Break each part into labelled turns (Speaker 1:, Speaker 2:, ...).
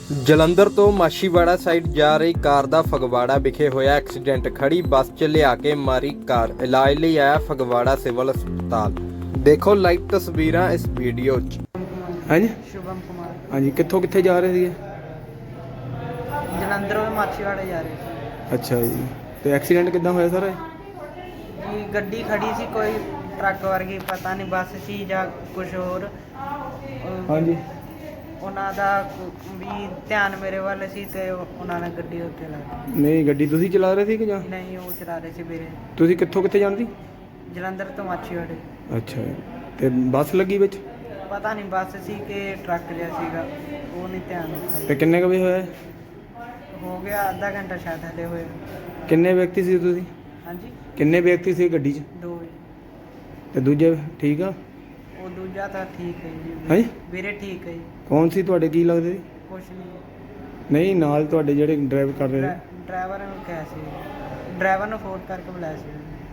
Speaker 1: ਜਲੰਧਰ ਤੋਂ ਮਾਛੀਵਾੜਾ ਸਾਈਡ ਜਾ ਰਹੀ ਕਾਰ ਦਾ ਫਗਵਾੜਾ ਵਿਖੇ ਹੋਇਆ ਐਕਸੀਡੈਂਟ। ਖੜੀ ਬੱਸ 'ਚ ਲਿਆ ਕੇ ਮਾਰੀ ਕਾਰ। ਇਲਾਜ ਲਈ ਆਇਆ ਫਗਵਾੜਾ ਸਿਵਲ ਹਸਪਤਾਲ। ਦੇਖੋ ਲਾਈਵ ਤਸਵੀਰਾਂ ਇਸ ਵੀਡੀਓ 'ਚ। ਹਾਂਜੀ
Speaker 2: शुभम कुमार
Speaker 1: ਹਾਂਜੀ, ਕਿੱਥੋਂ ਕਿੱਥੇ ਜਾ ਰਹੇ ਸੀਗੇ?
Speaker 2: जलंधरों में माछीवाड़े जा रहे थे
Speaker 1: ਅੱਛਾ ਜੀ, ਤੇ ਐਕਸੀਡੈਂਟ ਕਿੱਦਾਂ ਹੋਇਆ ਸਰ?
Speaker 2: जी। गड्डी खड़ी सी कोई ट्रक वर्गी पता नहीं बस सी या कुछ होर।
Speaker 1: ਹਾਂਜੀ,
Speaker 2: ਉਹਨਾਂ ਦਾ ਵੀ ਧਿਆਨ ਮੇਰੇ ਵੱਲ ਸੀ ਤੇ ਉਹਨਾਂ ਨੇ ਗੱਡੀ ਉੱਤੇ ਲਾ ਦਿੱਤੀ।
Speaker 1: ਨਹੀਂ ਗੱਡੀ ਤੁਸੀਂ ਚਲਾ ਰਹੇ ਸੀ ਕਿ ਜਾਂ
Speaker 2: ਨਹੀਂ, ਉਹ ਚਲਾ ਰਹੇ ਸੀ ਵੀਰੇ।
Speaker 1: ਤੁਸੀਂ ਕਿੱਥੋਂ ਕਿੱਥੇ ਜਾਂਦੀ?
Speaker 2: ਜਲੰਧਰ ਤੋਂ ਮਾਛੀਵਾੜੇ।
Speaker 1: ਅੱਛਾ ਜੀ, ਤੇ ਬੱਸ ਲੱਗੀ ਵਿੱਚ?
Speaker 2: ਪਤਾ ਨਹੀਂ ਬੱਸ ਸੀ ਕਿ ਟਰੱਕ ਜਿਹਾ ਸੀਗਾ, ਉਹ ਨਹੀਂ ਧਿਆਨ
Speaker 1: ਤੇ
Speaker 2: ਦਿੱਤਾ।
Speaker 1: ਕਿੰਨੇ ਕੁ ਵਜੇ ਹੋਇਆ?
Speaker 2: ਹੋ ਗਿਆ ਅੱਧਾ ਘੰਟਾ ਸ਼ਾਇਦ ਹਲੇ ਹੋਇਆ।
Speaker 1: ਕਿੰਨੇ ਵਿਅਕਤੀ ਸੀ ਤੁਸੀਂ?
Speaker 2: ਹਾਂਜੀ,
Speaker 1: ਕਿੰਨੇ ਵਿਅਕਤੀ ਸੀ ਗੱਡੀ 'ਚ?
Speaker 2: 2।
Speaker 1: ਤੇ ਦੂਜੇ ਠੀਕ ਆ?
Speaker 2: ਉਹ ਦੂਜਾ ਤਾਂ ਠੀਕ ਹੈ ਜੀ
Speaker 1: ਹਾਂਜੀ,
Speaker 2: ਵੀਰੇ, ਠੀਕ ਹੈ ਜੀ।
Speaker 1: ਕੌਣ ਸੀ ਤੁਹਾਡੇ, ਕੀ ਲੱਗਦੇ ਸੀ?
Speaker 2: ਕੁਛ ਨਹੀਂ।
Speaker 1: ਨਹੀਂ ਨਾਲ ਤੁਹਾਡੇ ਜਿਹੜੇ ਡਰਾਈਵ ਕਰ ਰਹੇ ਸੀ?
Speaker 2: ਡਰਾਈਵਰ ਨੂੰ ਕਿਹਾ ਸੀ, ਡਰਾਈਵਰ ਨੂੰ ਫੋਨ ਕਰਕੇ ਬੁਲਾਇਆ ਸੀ।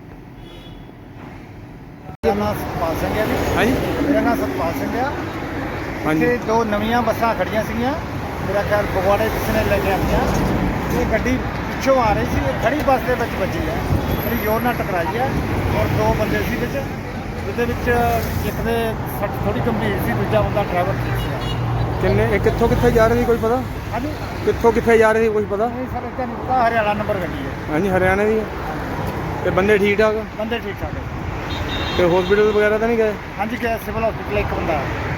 Speaker 3: ਮੇਰਾ ਨਾਮ ਸਤਪਾਲ ਸਿੰਘ ਹੈ ਜੀ।
Speaker 1: ਹਾਂਜੀ
Speaker 3: ਮੇਰਾ ਨਾਮ ਸਤਪਾਲ ਸਿੰਘ ਆ।
Speaker 1: ਹਾਂਜੀ
Speaker 3: ਇੱਥੇ 2 ਨਵੀਆਂ ਬੱਸਾਂ ਖੜੀਆਂ ਸੀਗੀਆਂ, ਮੇਰਾ ਖਿਆਲ ਫਗਵਾੜੇ ਕਿਸੇ ਨੇ ਲੈ ਕੇ ਆਈਆਂ। ਇਹ ਗੱਡੀ ਪਿੱਛੋਂ ਆ ਰਹੀ ਸੀ, ਇਹ ਖੜੀ ਬੱਸ ਦੇ ਵਿੱਚ ਵੱਜੀ ਹੈ, ਬੜੀ ਜ਼ੋਰ ਨਾਲ ਟਕਰਾਈ ਹੈ ਔਰ 2 ਬੰਦੇ ਸੀ ਵਿੱਚ। ਜਿਹਦੇ ਵਿੱਚ ਇੱਕ ਦੇ ਸੱਟ ਥੋੜੀ ਗੰਭੀਰ ਸੀ, ਦੂਜਾ ਬੰਦਾ ਡਰਾਈਵਰ ਠੀਕ ਸੀ।
Speaker 1: ਕਿੰਨੇ ਇਹ ਕਿੱਥੋਂ ਕਿੱਥੇ ਜਾ ਰਹੇ ਸੀ ਕੋਈ ਪਤਾ?
Speaker 3: ਹਾਂਜੀ,
Speaker 1: ਕਿੱਥੋਂ ਕਿੱਥੇ ਜਾ ਰਹੇ ਸੀ ਕੁਝ ਪਤਾ?
Speaker 3: ਨਹੀਂ ਸਰ, ਇੱਥੇ ਨਹੀਂ ਪਤਾ, ਹਰਿਆਣਾ ਨੰਬਰ ਗੱਡੀ ਹੈ।
Speaker 1: ਹਾਂਜੀ ਹਰਿਆਣੇ ਦੀ ਹੈ। ਤੇ ਬੰਦੇ ਠੀਕ ਠਾਕ ਆ?
Speaker 3: ਬੰਦੇ ਠੀਕ ਠਾਕ ਹੈ।
Speaker 1: ਤੇ ਹਸਪੀਟਲ ਵਗੈਰਾ ਤਾਂ ਨਹੀਂ ਗਏ?
Speaker 3: ਹਾਂਜੀ, ਕਿ ਸਿਵਲ ਹਸਪੀਟਲ ਇੱਕ ਬੰਦਾ ਹੈ।